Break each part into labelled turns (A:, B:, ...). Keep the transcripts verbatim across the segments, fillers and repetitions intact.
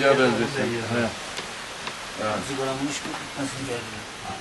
A: Hacı'ya benzesin. He. Evet.
B: Zıgaramış mı? Nasıl geldi?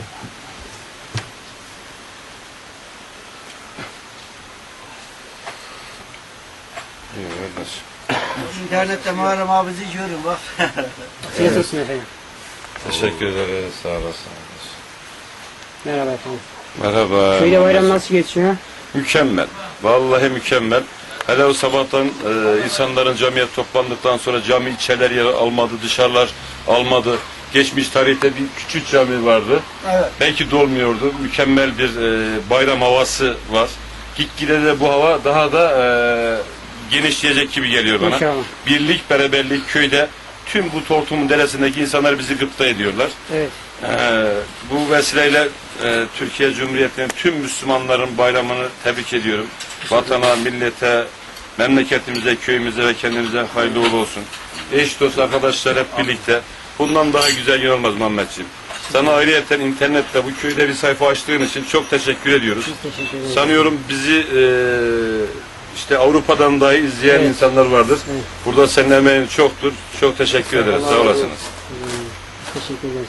A: Evet.
B: İnternette Muharrem abisi görün bak.
C: Afiyet olsun efendim.
A: Teşekkür ederiz. Sağ olasın.
C: Merhaba efendim.
A: Merhaba.
C: Köyde bayram nasıl geçiyor?
A: Mükemmel. Vallahi mükemmel. Hele o sabahtan e, insanların camiye toplandıktan sonra cami içeriler yer almadı, dışarılar almadı. Geçmiş tarihte bir küçük cami vardı.
B: Evet.
A: Belki dolmuyordu. Mükemmel bir e, bayram havası var. Gitgide de bu hava daha da e, genişleyecek gibi geliyor bana.
C: İnşallah.
A: Birlik, beraberlik köyde tüm bu Tortum'un deresindeki insanlar bizi gıpta ediyorlar.
C: Evet.
A: Ee, bu vesileyle e, Türkiye Cumhuriyeti'nin tüm Müslümanların bayramını tebrik ediyorum. Vatana, millete, memleketimize, köyümüze ve kendimize hayırlı uğurlu olsun. Eş dost arkadaşlar hep birlikte. Bundan daha güzel gün olmaz Muhammedciğim. Sana ayrıyeten internette bu köyde bir sayfa açtığın için çok teşekkür ediyoruz.
C: Çok teşekkür ederim.
A: Sanıyorum bizi e, işte Avrupa'dan dahi izleyen
C: Evet.
A: insanlar vardır.
C: Evet.
A: Burada senin emeğin çoktur. Çok teşekkür ederiz. Sağ olasınız.
C: Hmm, teşekkür ederiz.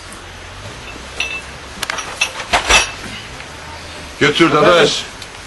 A: Götür dadaş.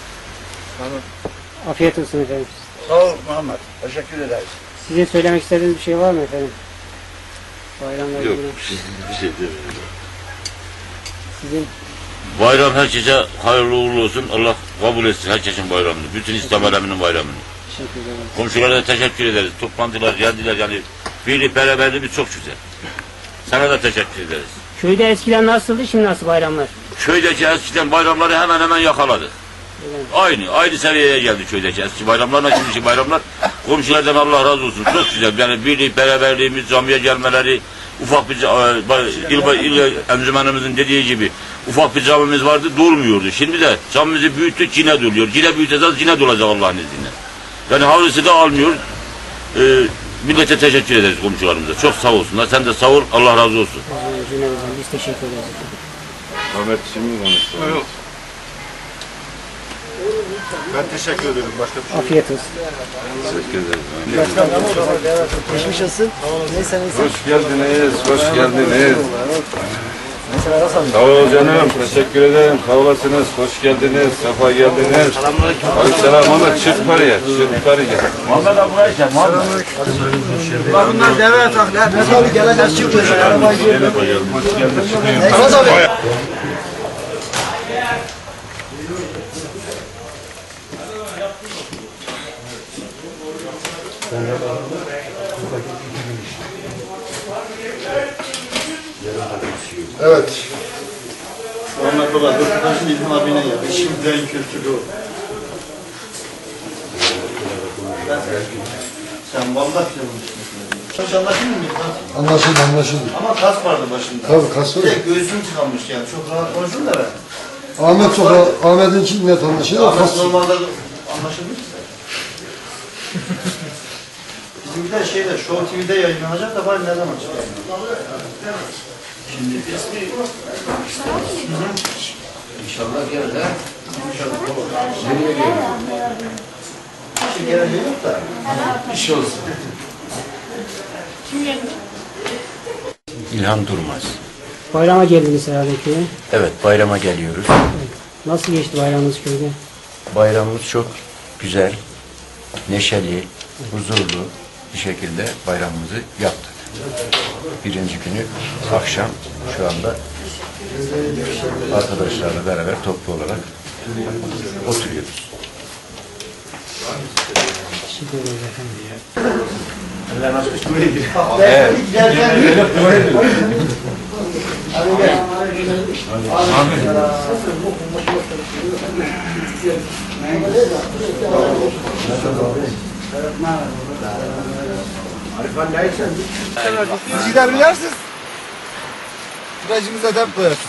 C: Afiyet olsun efendim.
B: Sağ ol Muhammed. Teşekkür ederiz.
C: Sizin söylemek istediğiniz bir şey var mı efendim? Bayramla
D: Yok,
C: ilgili.
D: bir şey demiyorum.
C: Sizin
D: Bayram herkese hayırlı uğurlu olsun. Allah kabul etsin herkesin bayramını. Bütün İslam aleminin bayramını.
C: teşekkür ederim.
D: Komşulara da teşekkür ederiz. Toplantılar, geldiler yani. Birlik beraberliğimiz çok güzel. Sana da teşekkür ederiz.
C: Köyde eskiden nasıldı, şimdi nasıl bayramlar?
D: Köydeki eskiden bayramları hemen hemen yakaladık.
C: Evet.
D: Aynı, aynı seviyeye geldi köydeki eski bayramlarla şimdiki bayramlar. Komşulardan Allah razı olsun. Çok güzel. Yani birlik, beraberliğimiz, camiye gelmeleri, ufak bir il, il encümenimizin dediği gibi ufak bir camimiz vardı, durmuyordu. Şimdi de camimizi büyüttük, yine doluyor. Yine büyüteceğiz, yine dolacak Allah'ın izniyle. Yani havlusu da almıyor. Ee, millete teşekkür ederiz komşularımıza. Çok sağ olsunlar. Sen de sağ ol. Allah razı olsun.
C: Cümlemizden biz teşekkür ederiz.
A: Ahmet şimdi konuştu. Evet.
E: Ben teşekkür ederim. Başka bir şey
C: Afiyet olsun.
A: Teşekkür ederiz.
B: Geçmiş olsun. Neyse neyse.
A: Hoş geldiniz, hoş geldiniz. Sağ ol canım, teşekkür ederim. Sağ olasınız, hoş geldiniz, sefa geldiniz. Aleykümselam Ahmet, çık yukarıya, çık yukarıya.
D: Muhammed abi buraya gel. Muhammed.
B: Bak bunlar deve ataklar. Ne tabii geleceğiz çıkıyoruz. Arabayı görüyoruz.
A: Hoş geldin, çıkıyorum.
B: Neyse tabii.
E: Evet. Muhammed Baba, Dörtbaş'ın İlhan abine geldi. Şimdiden kültürü o. Sen vallahi yapmışsın. Çok anlaşılmıyor mu?
F: Anlaşıldı, anlaşıldı.
E: Ama kas vardı başında.
F: Tabii kas var.
E: Bir de göğsüm tıkanmış yani. Çok rahat konuştun da ben.
F: Ahmet çok, Ahmet'in için net anlaşıldı.
E: Ahmet
F: Kas.
E: normalde anlaşılmıyor ki. Bizim bir de şeyde, Show T V'de yayınlanacak da bari ne zaman çıkıyor? Şimdi ismi... İnşallah gelir ha. İnşallah. Nereye gelir? Bir şey geleceği yok da. Bir şey olsun.
G: İlhan Durmaz.
C: Bayrama geldiniz herhalde köye.
G: Evet, bayrama geliyoruz.
C: Nasıl geçti bayramınız köyde?
G: Bayramımız çok güzel, neşeli, huzurlu bir şekilde bayramımızı yaptık. Birinci günü akşam şu anda arkadaşlarla beraber toplu olarak oturuyoruz.
C: Teşekkür ederiz efendim.
G: Evet.
E: Siz gider bilersiniz. Virajımıza dem koyarsınız.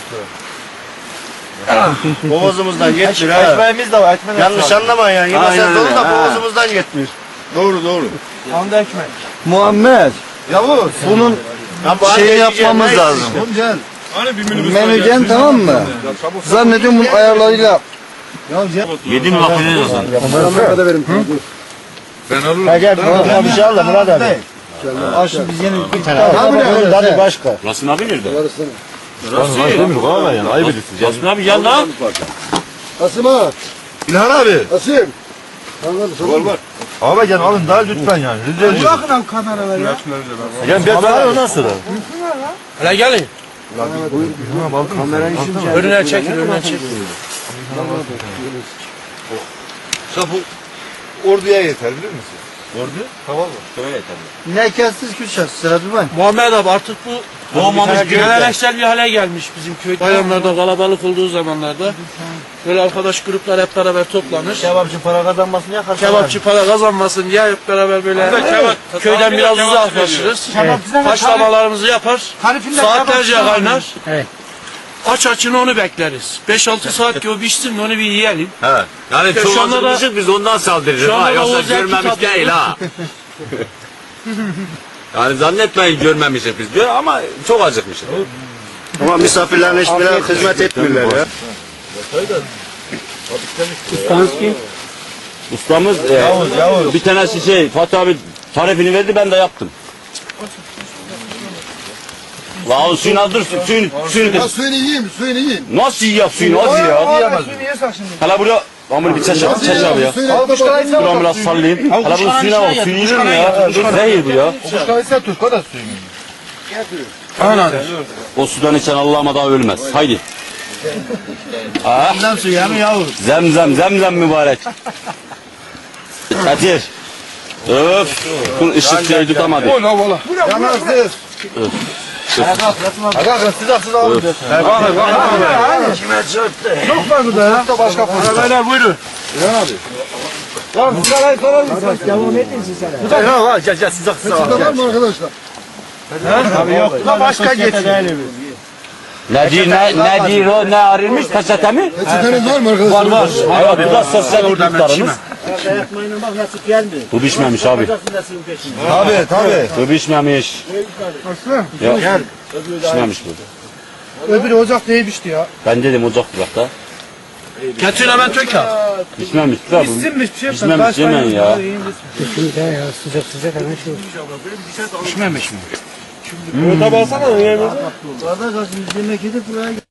E: Boğazımızdan yetmiyor. Ekmeğimiz de var. Yanlış anlamayın yani. Yemesen dolu da boğazımızdan yetmiyor. Doğru doğru. Anda ekmek.
F: Muhammed,
E: Yavuz.
F: bunun şey yapmamız lazım.
E: Gel.
F: Menüden tamam mı? Zannediyorum bunun ayarlarıyla.
D: Yedi mi bakıyorsun?
F: Muhammed'e verin.
E: Gel gel. Bir şey al da Murat abi.
B: Aşın biz yine bir tane. Abi ne? Hadi başka.
D: Rasim abi nerede?
F: Rasim abi yani ayıp ediyorsun.
D: Rasim abi gel lan.
F: Rasim abi.
H: İlhan abi.
F: Rasim.
H: Var var. Abi gel alın daha lütfen yani. Rica ediyorum.
B: Bırakın abi kameraları ya.
H: Gel bir daha ondan sonra.
I: Hele gelin. Önüne çekin, önüne çekin.
H: Sen bu orduya yeter bilir misin?
D: Ordu?
H: Tamam mı?
D: Şöyle yeter.
B: Ne kestiz Kürşat? Sıra durmayın.
I: Muhammed abi artık bu
D: Doğmamış köyde.
I: geleneksel bir hale gelmiş bizim köy. Bayramlarda kalabalık olduğu zamanlarda böyle arkadaş gruplar hep beraber toplanır.
B: Kebapçı para kazanmasın ya karşı.
I: Kebapçı para kazanmasın diye hep beraber böyle köyden biraz uzaklaşırız. Haşlamalarımızı yapar. Saatlerce kaynar.
C: Evet.
I: Aç açını onu bekleriz. beş altı saat ki o pişsin de onu bir yiyelim.
D: Evet. Yani
I: İşte
D: çok
I: şu anda da-
D: acıkmışız biz ondan saldırırız.
I: şu anda
D: Ha,
I: da
D: yoksa
I: o zevki
D: görmemiş
I: tadıyoruz.
D: değil ha. Yani zannetmeyin görmemişiz biz diyor ama çok acıkmışız.
F: Ama misafirlerine hiçbir hizmet etmiyorlar ya.
C: Ustanız kim?
D: Ustamız e, bir tanesi şey Fatih abi tarifini verdi ben de yaptım. La o suyunu al dur suyunu suyunu
F: Suyunu yiyeyim, suyunu yiyeyim.
D: nasıl yiyecek suyunu az ya.
B: Suyunu yiyorsak şimdi.
D: Hala buraya Amur bir çeşe çeşe abi ya.
F: Suyunu
D: Dur onu biraz sallayayım. Hala bunun suyuna bak suyu yenir mi ya? Zehir bu ya.
H: Kuşkaysa Türk o da suyunu.
D: O sudan içen Allah'ıma daha ölmez. Haydi. Ah.
B: Bundan suyu hem yavrum.
D: Zemzem, zemzem mübarek. Kadir. Öf. Bu ışık şeyi tutamadı.
H: Ola ola.
F: Yanarsız.
H: Aga sıcaksız alın.
B: Çok var burada ya.
H: Başka
B: Beyler buyurun. Tamam sırayı soralım.
C: Devam edin siz hele.
H: Gel gel sıcaksız al.
F: Tamam mı arkadaşlar?
B: Abi yok. Da başka geçsin.
D: Ne diyor, ne, ne diyor o, ne arılmış peçete mi?
F: Peçeteniz var mı arkadaşlar? Var var.
D: Evet, bu da sosyal hizmetlerimiz.
C: Yapmayın bak nasıl gelmiyor.
D: Bu pişmemiş abi.
H: Tabii tabii.
D: Bu pişmemiş. Yok. Pişmemiş bu.
B: Öbürü ocakta yemişti ya.
D: Ben dedim ocak durakta.
I: Getir hemen tök al.
D: Pişmemiş bu da bu.
B: Sinmiş bir şey.
D: Pişmemiş yemeyin ya.
C: Şimdi ya sıcak sıcak hemen şey.
I: Pişmemiş mi?
B: Orada kalsın biz yemek yedik buraya.